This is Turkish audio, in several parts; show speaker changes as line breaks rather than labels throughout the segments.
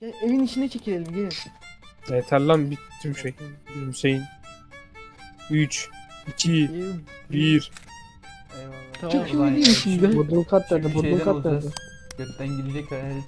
Gel evin içine çekilelim gelin.
Yeter lan bitti şey. Hüseyin. 3, 2,
İyi.
1.
Eyvallah.
Tamam.
O zaman
Şimdi şimdi.
Bodrum kat nerede?
Şimdi
Bodrum
şeyden
kat nerede?
olacağız. Götten gidecek herif.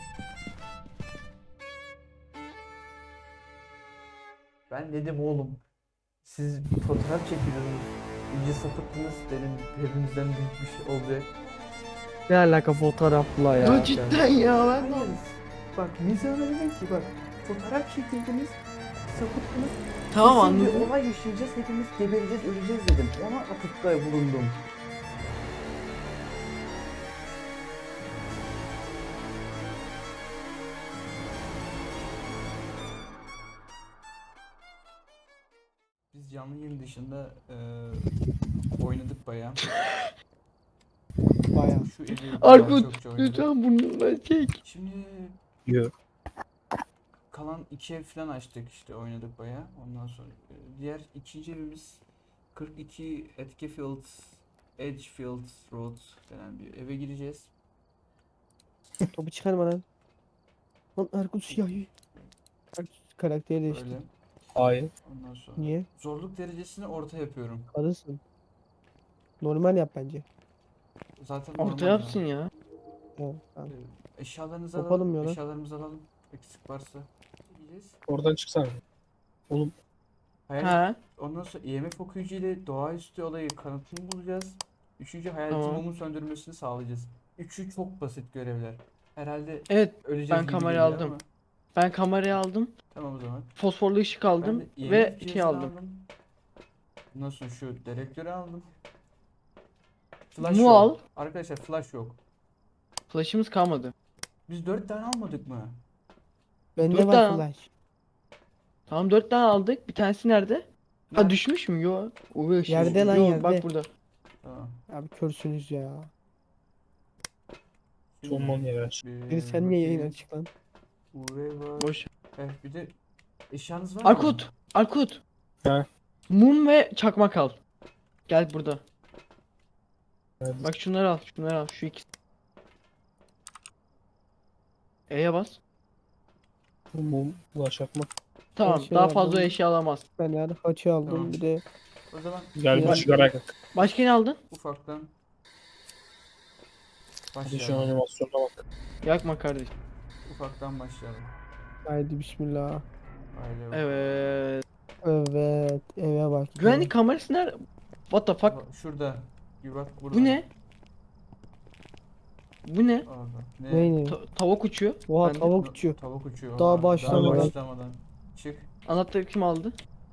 Ben dedim oğlum. Siz fotoğraf çekiyorsunuz. İyice sapıttınız dedim. Hepimizden büyük bir şey olacak.
Ne alaka fotoğrafla ya?
Ya cidden ya ben de.
Bak Nizam'a dedim ki bak fotoğraf çekildiniz. Sapıttınız.
Tamam
Kesin
anladım.
bir olay yaşayacağız. Hepimiz gebereceğiz, öleceğiz dedim. Ona atıfta bulundum. Biz canlı yayın dışında oynadık bayağı.
Bayağı.
Şu evi bayağı
Arkut
çokça oynadık.
lütfen burnundan çek.
Şimdi
Yok.
kalan 2 ev falan açtık işte oynadık bayağı. Ondan sonra diğer ikinci evimiz 42 Etkefield Edgefield Road denen bir eve gireceğiz.
Topu çıkarma lan. Lan Erkut siyah. Erkut karakteri değişti.
Öyle.
Hayır.
Ondan sonra
Niye?
zorluk derecesini orta yapıyorum.
Karısın. Normal yap bence.
Zaten
Orta
normal
yapsın ya.
Evet, tamam.
Eşyalarınızı
Yapalım
alalım.
ya lan.
Eşyalarımızı alalım. Eksik varsa gideceğiz.
Oradan çıksana. Oğlum
Hayal
Ha.
Ondan sonra EMF okuyucu ile doğaüstü olayı kanıtını bulacağız. Üçüncü hayaletin
Tamam.
mumun söndürmesini sağlayacağız. Üçü çok basit görevler. Herhalde
Evet
öleceğiz
ben
gibi
kamerayı
geliyor
aldım.
ama
ben kamerayı aldım.
tamam o zaman.
Fosforlu ışık
Ben
aldım
de
ve
EMF
şey
cihazını
aldım.
Ondan sonra şu direktörü aldım. Flash
Mu
yok.
al.
Arkadaşlar flash yok.
Flash'ımız kalmadı.
Biz 4 tane almadık mı?
Bende
Dört
var
tane al.
flash.
Tamam 4 tane aldık. Bir tanesi nerede? Ha
Nerede?
düşmüş mü? Yo. UV ışığı.
Yerde lan,
Yo,
yerde.
bak burada.
Tamam.
Abi körsünüz ya.
sonman yer.
Bir sen niye yayın
bakayım.
açık lan?
UV var.
Boş.
Bir de eşyanız var mı?
Arkut. Arkut.
Ha.
Mum ve çakmak al. Gel burada.
Nerede?
Bak şunları al. Şunları al. Şu ikisi. E'ye bas.
Mum, ulaşakmak.
Tamam.
şey
Daha
aldım.
fazla eşya alamaz.
Ben yani haçı aldım
Tamam.
bir de
O zaman
Gel bir
Ya-
sigara yak.
Başka ne aldın?
ufaktan
Hadi şu
başlayalım.
animasyona bak.
Yakma kardeş.
Ufaktan başlayalım.
haydi bismillah.
Aile bak.
Evet.
Evet eve bak. ya.
Güvenlik kamerası nerede? What the fuck?
Şurada. Bir bak burada.
Bu ne? Bu ne?
Orada.
Ne ne?
Tavuk uçuyor.
Oha
Ben de-
tavuk uçuyor.
Tavuk uçuyor.
Daha
Daha
başlamadan.
başlamadan. Çık.
Anahtarı kim aldı?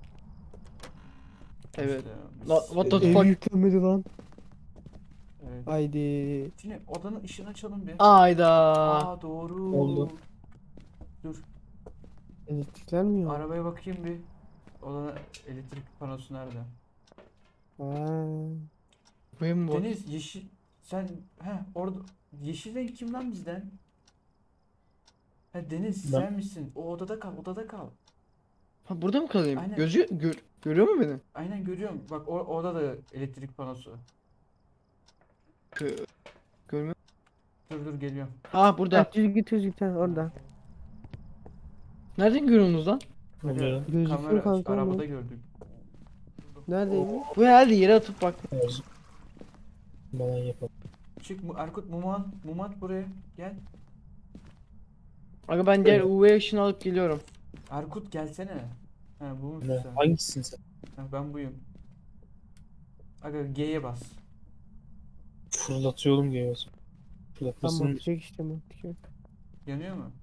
Evet.
İşte,
What the
Ev
fuck?
yüklenmedi lan.
Evet.
Haydi.
Şimdi odanın ışığını açalım bir.
Ayda.
Aa doğru.
Oldu.
Dur.
Elektrikler mi yok?
Arabaya bakayım bir. Odanın elektrik panosu nerede?
Ha.
Benim bu.
Deniz yeşil. Sen orada yeşil renk kim lan bizden? Deniz
Ben.
sen misin? O odada kal, odada kal.
Ha burada mı kalayım?
Aynen.
Görüyor mu beni?
Aynen görüyorum. Bak orada da elektrik panosu.
Görmüyor.
Dur geliyorum.
Ha burada.
Ha, düz git ha, orada.
Nereden görüyorsunuz lan?
Oluyor.
Gözüküyor
Kamera
kanka
arabada
oğlum.
gördük.
Neredeydi?
Bu herhalde yere atıp bak.
Lazım. Bana yapalım.
Çık Erkut Mumat buraya gel.
Aga ben diğer UV ışını alıp geliyorum.
Erkut gelsene. Bu musun
Ne?
sen?
Hangisisin sen?
Ben buyum. Aga G'ye bas.
Fırlatıyorum geliyorsun.
Tam
Fırlatmasın.
bakacak işte bakacak.
Yanıyor mu?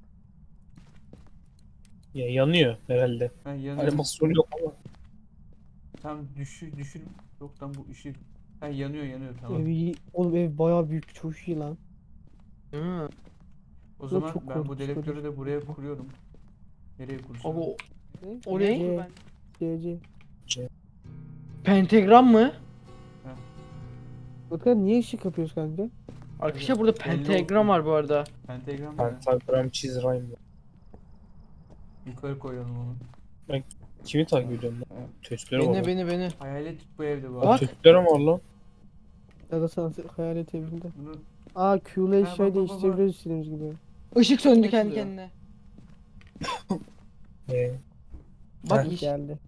Ya yanıyor herhalde.
Yanıyor.
Animasyon yok ama.
Tam düşür. Yok lan bu ışık. Yanıyor tamam.
Oğlum ev bayağı büyük, çok iyi lan.
Hı.
O zaman
çok
ben bu
korkunç
dedektörü de buraya kuruyorum. Nereye kursam?
Aga
Ne?
o ne?
C.
Pentagram mı?
Bakın niye ışık yapıyoruz kanka?
Arkadaşlar burada
Belli
pentagram
olsun.
var bu arada.
Pentagram mı?
Pentagram çizrayım.
Yukarı koyalım onu.
Kimi takip ediyorsun lan? Tüsleri var.
Beni.
Hayalet bu evde bu.
Bak.
arada.
Tüsleri var lan.
Ya da sana hayalet evinde.
Bunu
Aa Q'la
Ha,
eşyayı
bak.
değiştirebiliyoruz istediğimiz gibi.
Işık söndü
Ne
kendi
oluyor?
kendine. Bak
Ha.
iş.
Geldi.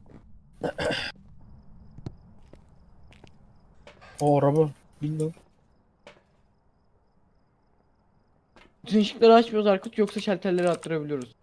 O araba. Bilmiyorum.
Bütün ışıkları açmıyoruz Arkut yoksa şalterleri attırabiliyoruz.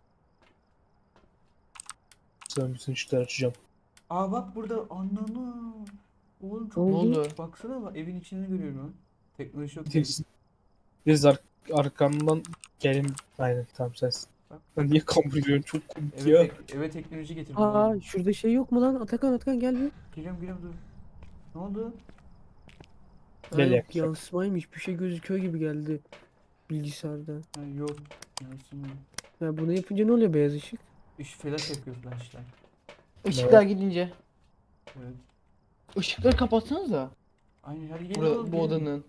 Sen bütün ışıkları açacağım.
Aa bak burada ananı. Oğlum çok
Ne
Ne oldu?
baksana bak evin içini görüyorum lan. Teknoloji yok.
Biz arkandan gelin. Aynen tamam sensin.
Bak.
Lan niye kamp ediyorsun? Çok komik ya.
Eve teknoloji getirdim.
Aa
oğlum.
şurada şey yok mu lan? Atakan gel bir.
Geliyorum dur. Ne oldu?
Ha,
Gel
yok,
yaklaşık.
yansımaymış. Bir şey gözüküyor gibi geldi bilgisayarda.
Ha, yok. Yansımıyor.
Ya bunu yapınca ne oluyor beyaz ışık?
Flash yapıyor flashlar.
Işıklar gidince.
Evet.
Işıkları kapatsanız da.
Aynen hadi gelin oğlum,
Bu
gelin.
odanın.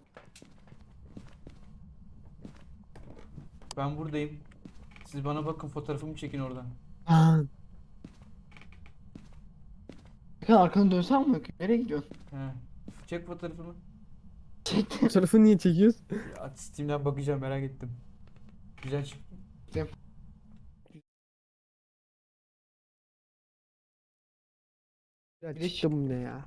Ben buradayım. Siz bana bakın fotoğrafımı çekin oradan.
Aa,
Bakın arkanı dönsen mi? Nereye gidiyorsun?
He. Çek fotoğrafımı.
fotoğrafı niye çekiyoruz?
Ya, Steam'den bakacağım merak ettim. Güzel çıktı.
Ya
Bir de
çıktım ne ya?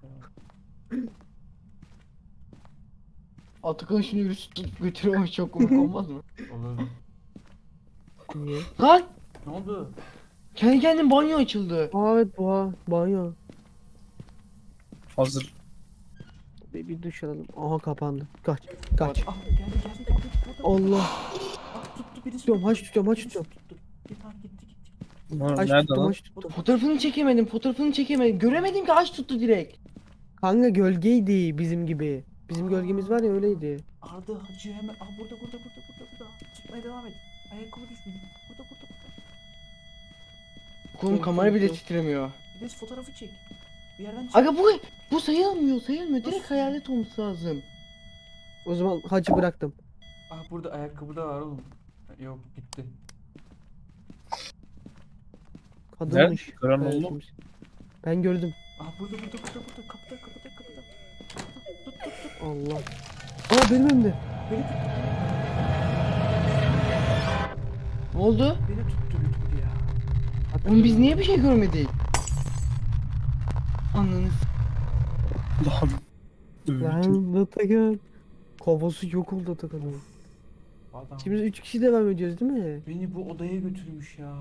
Atakan şunu yürüsü tutup götürüyormuş çok komik olmaz mı?
Olur.
Niye?
Lan!
Ne oldu?
Kendi kendine banyo açıldı.
Aa evet banyo.
Hazır.
Bir duş alalım. Aha kapandı. Kaç.
Ah geldi.
Allah.
Ah tuttu birisi.
Tutuyorum, haç tutuyorum, haç
Birisi
tutuyorum.
tuttu. Tamam gitti.
Haç
Nerede
tuttum
lan?
haç tuttum.
Fotoğrafını çekemedim. Göremedim ki aç tuttu direkt.
Kanka gölgeydi bizim gibi. Bizim gölgemiz var ya öyleydi.
Arda Hacı hemen. Ah burada. Tutmaya devam et. Ayakkabı düşmüş. Burada.
Oğlum
Yok,
kamera
yok,
bile
yok.
titremiyor.
Bir de fotoğrafı çek. Bir yerden çek.
Aga bu sayılmıyor. Direkt
Nasıl?
hayalet olması lazım.
O zaman hacı bıraktım.
Ah burada ayakkabı da var oğlum. Yok gitti.
Kadınmış.
Gören
Evet,
oldu mu?
kimse. Ben gördüm.
Ah burada. Kapıda. Tut.
Allah. Aa benim önümde.
Beni tut.
Ne oldu?
Beni tuttu götürdü ya.
Oğlum biz niye bir şey görmedik? Ananı
Lan. Öldüm.
Lan Atakan. Kafası yok oldu Atakan'ın.
Adam
Şimdi 3 kişi devam ediyoruz değil mi?
beni bu odaya götürmüş ya.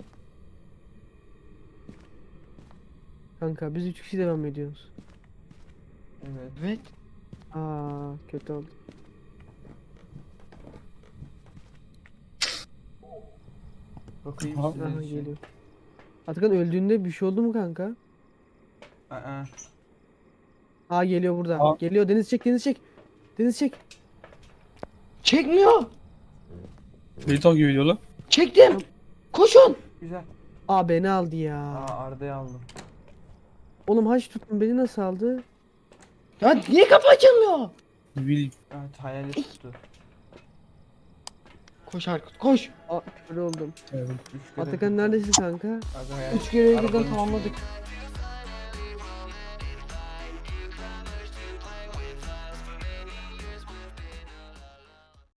Kanka biz 3 kişi devam ediyoruz.
Evet.
Evet.
Aa kötü oldu.
Bakayım
Aha.
sizin
Aha
için.
geliyor. Atakan öldüğünde bir şey oldu mu kanka?
Aa.
Aa geliyor burada.
Aa.
Geliyor Deniz çek. Deniz çek.
Çekmiyor.
Beni takip ediyor lan.
Çektim. Koşun.
Güzel.
Aa beni aldı
Aa
ya.
Arda'yı aldım.
Oğlum haç tuttum beni nasıl aldı?
Ya niye kapı açılmıyor?
Ne bileyim.
Evet hayalet tuttu.
Koş Arkut koş.
Aa kötü oldum.
Evet.
3 kere
Atakan
tuttu.
neredesin kanka?
Aga hayalet.
3 görevi birden
Arabanın
tamamladık.